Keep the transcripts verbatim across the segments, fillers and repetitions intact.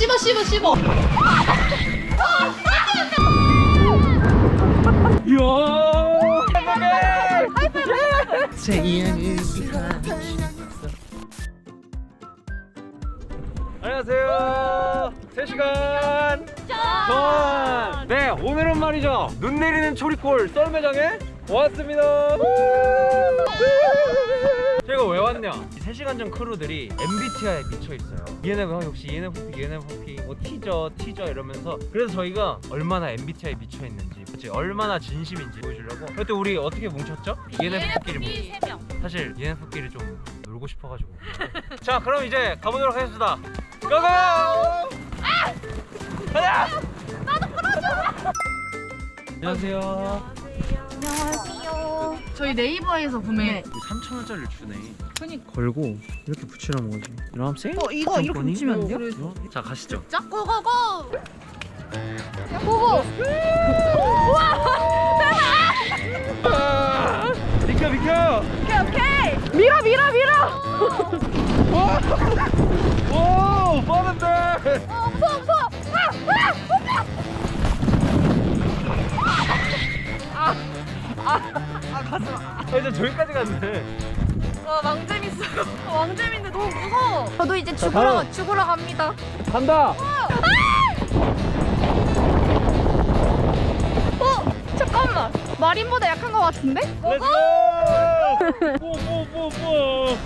씹어 씹어 씹어. 안녕하세요. 세 시간 전. 네, 오늘은 말이죠. 눈 내리는 초리콜 썰매장에 왔습니다. 제가 왜 왔냐? 이 세 시간 전 크루들이 엠비티아이에 미쳐 있어요. 이엔에프 역시 이엔에프피, 이엔에프피, 뭐 티저, 티저 이러면서. 그래서 저희가 얼마나 엠비티아이에 미쳐 있는지, 그치? 얼마나 진심인지 보여주려고. 그때 우리 어떻게 뭉쳤죠? 이엔에프끼리 뭉. 세 명. 사실 이엔에프끼리 좀 놀고 싶어가지고. 자, 그럼 이제 가보도록 하겠습니다. 고고! 가자! 나도 끌어줘. 안녕하세요. 안녕하세요. 저희 네이버에서 구매. 삼천 원짜리를 주네. 그니까. 걸고 이렇게 붙이라는 거지. 이러면 세? 어 이거 이렇게 붙이면 안 돼요? 자, 가시죠. 자 고고고. 고고. 비켜 비켜. 오케이 오케이. 밀어 밀어 밀어. 오, 빠른데. 어 무서워 무서워. 아, 가슴. 아, 이제 저기까지 갔네. 와 왕재밌어요. 왕재밌는데 너무 무서워. 저도 이제 자, 죽으러 다음. 죽으러 갑니다. 간다. 어 잠깐만. 마린보다 약한 것 같은데? 렛츠고. 뽀뽀뽀뽀.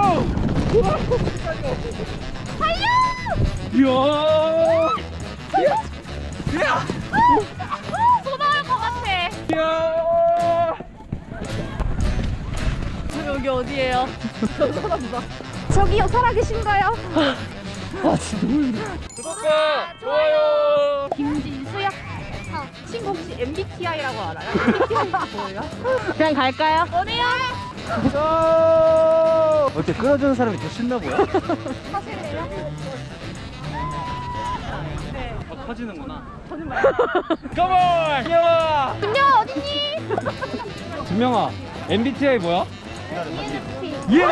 달려! 이야. 이야. 또 나올 것 같아. 이야. 여기 어디예요? 저 사람 봐. 저기요 살아계신가요? 구독과 좋아요. 김진수요. 친구 혹시 엠비티아이라고 알아요? 엠비티아이 뭐예요? 그냥 갈까요? 어디요? 어때, 끌어주는 사람이 더 신나 보여? 사실이에요? 네. 아, 커지는구나. 거짓말. 컴온! 김영아! 준영 어디니? 준명아, 엠비티아이 뭐야? 이엔에프피.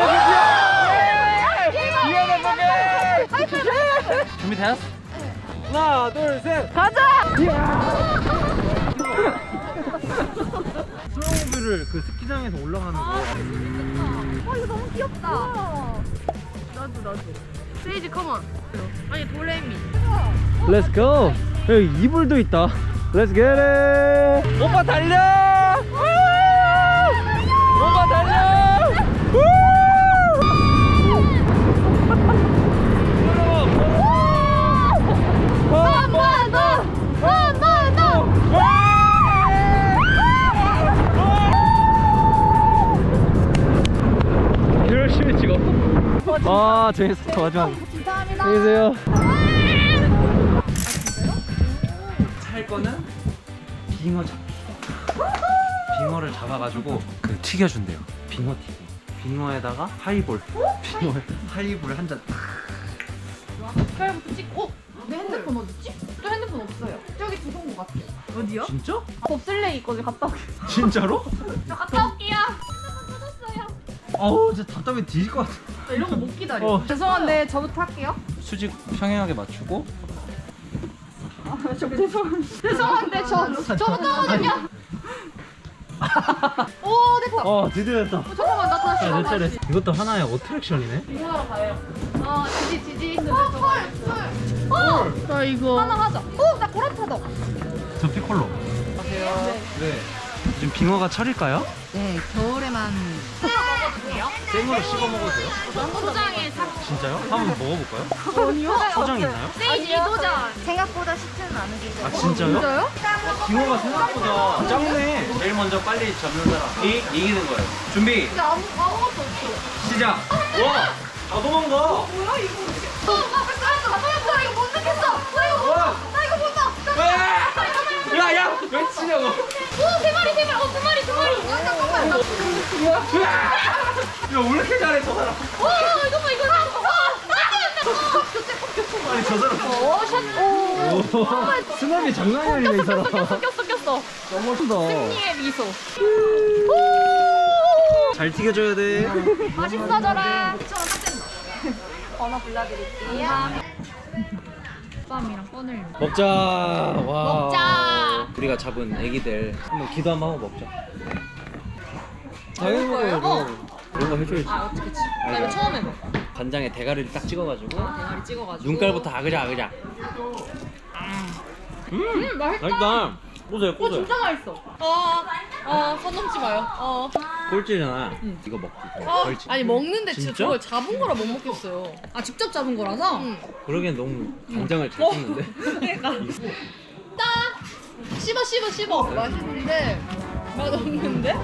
이엔에프피! 준비됐어? 하나, 둘, 셋! 가자! 스노우모빌을 그 스키장에서 올라가는 거. 아 이거 너무 귀엽다. 나도 나도. 세이지 컴온. 아니 도레미. Let's go! 여기 이불도 있다. Let's get it! 오빠 달려! 오빠 달려! 한 번 더! 한 번 더! 열심히 찍어. 아, 재밌었어. 마지막. 감사합니다. 안녕히 계세요. 살 거는 빙어 잡기. 빙어를 잡아가지고 그 튀겨준대요. 빙어 튀기. 빙어에다가 하이볼. 빙어에 하이볼 한 잔. 색깔부터 찍고. 어? 내 핸드폰 어딨지? 또 핸드폰 없어요. 저기 두신 것 같아요. 어디요? 진짜? 봅슬레이 있거든요. 갔다 올게요. 진짜로? 저 갔다 올게요. 핸드폰 찾았어요. 아우, 진짜 답답해 뒤질 것 같아. 나 이런 거 못 기다려. 어. 죄송한데 저부터 할게요. 수직 평행하게 맞추고. 아, 저 죄송한데. 죄송한데 저 저부터 하거든요. 오 됐다. 어, 드디어 됐다. 어, 잠깐만 나 다시. 자, 나 내 차례. 다시. 이것도 하나의 어트랙션이네. 이거 하러 가요. 아 지지 지지. 어 헐. 어. 나 이거 하나 하자. 어나 보라타다. 저 피콜로. 안녕하세요. 네. 지금 빙어가 철일까요? 네, 겨울에만 먹어도 돼요? 생으로 씹어 먹어도 돼요? 소장에 사. 진짜요? 한번 먹어볼까요? 아니요. 소장 있나요? 세이지 도전. 생각보다 쉽지는 않은 게 아, 있어요. 진짜요? 진짜요? 빙어가 생각보다 작네. 제일 먼저 빨리 잡는 사람이 이기는 거예요. 준비, 진짜 아무 아무것도 없어. 시작. 와, 다 도망가. 뭐야 이거? 어, 나 뺏어왔어. 나 뺏어왔어. 나 이거 못 느꼈어. 나 이거 못 와. 봐. 나 이거 못 봐. 와! 야, 야, 왜 치냐고. 오, 세 마리, 세 마리. 어, 두 마리, 두 마리. 아, 잠깐만. 나... 야, 왜 이렇게 잘해, 저 사람. 오, 이거 봐, 이거 봐. 아, 교체, 교체. 아니, 저 사람. 오, 샷. 오. 수납이 장난이 아니네, 이 사람. 꼈어, 꼈어, 꼈어. 너무 멋있다. 승리의 미소. 잘 튀겨줘야 돼. 맛있어져라. 저는 딱 된다. 번호 불러드릴게요. 쌈이랑 꺼내려. 먹자. 와. 먹자. 우리가 잡은 애기들 한번 기도 한번 하고 먹자. 당연히 거예요? 먹어야죠. 이런 거 해줘야지. 아, 그치, 그치. 나 이거 알죠. 처음 해봐. 간장에 대가리를 딱 찍어가지고 대가리 찍어가지고. 눈깔부터 아그작 아그작. 음, 음, 맛있다. 맛있다. 보세요, 어, 보세요. 진짜 맛있어. 어, 어, 손 넘지 마요. 어. 꼴찌잖아. 이거 먹기. 어. 꼴찌. 아니, 먹는데 진짜 진짜? 저걸 잡은 거라 못 먹겠어요. 아, 직접 잡은 거라서? 응. 그러기엔 너무 간장을 잘 찍는데. 그러니까. 딱! 씹어, 씹어, 씹어. 맛있는데, 맛없는데?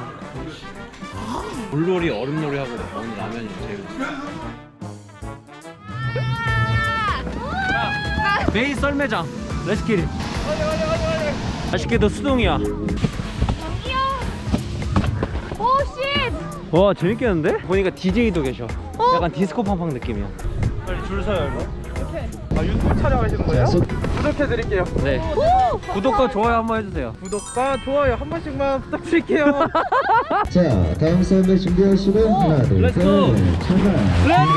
물놀이, 얼음놀이 하고 먹는 라면이 제일. 베이 썰매장. 렛츠 기릿. 맛있게도 수동이야. 오, 쉣! 와 재밌겠는데? 보니까 디제이도 계셔. 약간 디스코 팡팡 느낌이야. 빨리 줄 서요 이거. 아 유튜브 촬영하시는 거예요? 구독해드릴게요. 네. 구독과 좋아요 한번 해주세요. 구독과 좋아요 한 번씩만 부탁드릴게요. 자, 다음 썰매 준비하시고 하나, 둘, 렛츠 셋, 고! 출발! 렛츠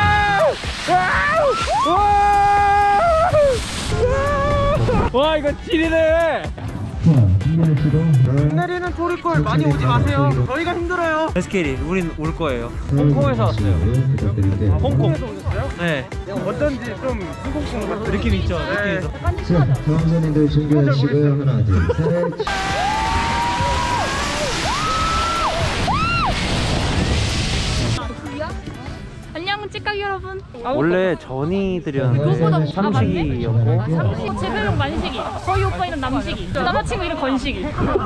고! 와 이거 찌리네. 자, 준비하시고 내리는 조리골 많이 오지 마세요. 저희가 힘들어요. 렛츠기릿 우린 올 거예요. 홍콩에서 왔어요. 부탁드릴게요. 홍콩. 오셨어요? 네. 어쩐지 좀 한국분 같은 느낌 있죠? 느낌 있어. 자, 다음 선생님들 준비하시고 하나, 둘, 셋. 안녕, 찌깍 여러분. 원래 전이 드렸는데 삼식이었고 삼식, 제 별명 만식이. 저희 오빠 이름 남식이. 저 남자친구 이름 건식이.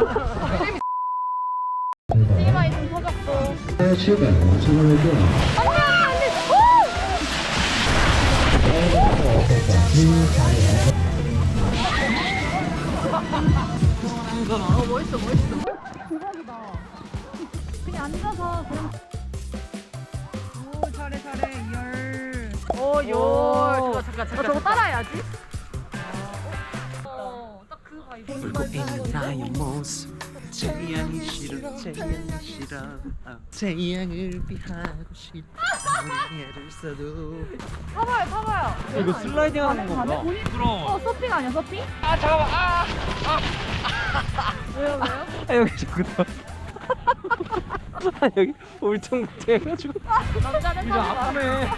찌마 이름 터졌고. 네, 출발! 출발할게요. 어, 멋있어, 멋있어. 대박이다. 그냥 앉아서 그냥. 오, 잘해, 잘해. 열. 오, 열. 잠깐, 잠깐, 잠깐. 저거 따라해야지. 어, 딱 그 바이브. 울고 있는 나의 모습 태양이 싫어 태양이 싫어 태양을 피하고 싶어 머리를 써도 타봐요, 타봐요. 이거 슬라이딩 하는 건가? 부러워. 어, 서핑 아니야, 서핑? 아 잠깐만 아! 왜요, 왜요? 아 여기 저기다 아 여기 울퉁불퉁 해가지고 남자는 이거 아프네.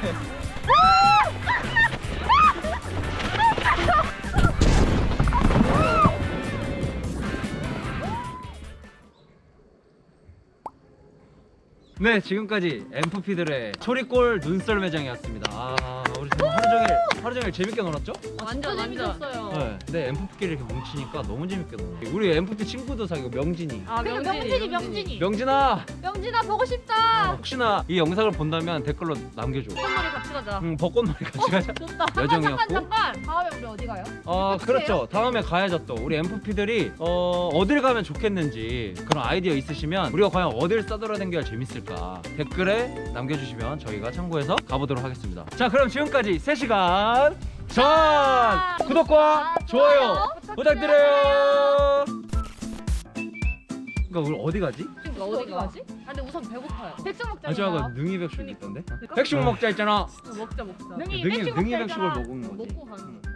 네 지금까지 엠프피들의 초리골 눈썰 매장이었습니다. 아 우리 정말 하루 종일 하루 종일 재밌게 놀았죠? 완전 재밌었어요. 네. 근데 엠프피끼리 이렇게 뭉치니까 너무 재밌게 놀아. 우리 엠프피 친구도 사귀고 명진이. 아, 명진이, 명진이. 명진아 명진아, 보고 어, 싶다. 혹시나 이 영상을 본다면 댓글로 남겨줘. 콧놀이 같이 가자. 응 벚꽃놀이 같이 가자. 좋다. 여정이었고. 잠깐, 잠깐. 다음에 우리 어디 가요? 어 그렇죠. 다음에 가야죠 또. 우리 엠프피들이 어 어딜 가면 좋겠는지 그런 아이디어 있으시면 우리가 과연 어딜 싸돌아다녀야 재밌을까 댓글에 남겨주시면 저희가 참고해서 가보도록 하겠습니다. 자 그럼 지금까지 세 시간 전 구독과 좋아요 부탁드려요. 그러니까 우리 어디 가지? 그러니까 어디 가지? 아, 근데 우선 배고파요. 백숙 먹자. 아 저거 능이 백숙 있던데? 백숙 먹자 했잖아. 먹자, 먹자. 능이 능이 백숙을 먹은 거지. 먹고 가는 거.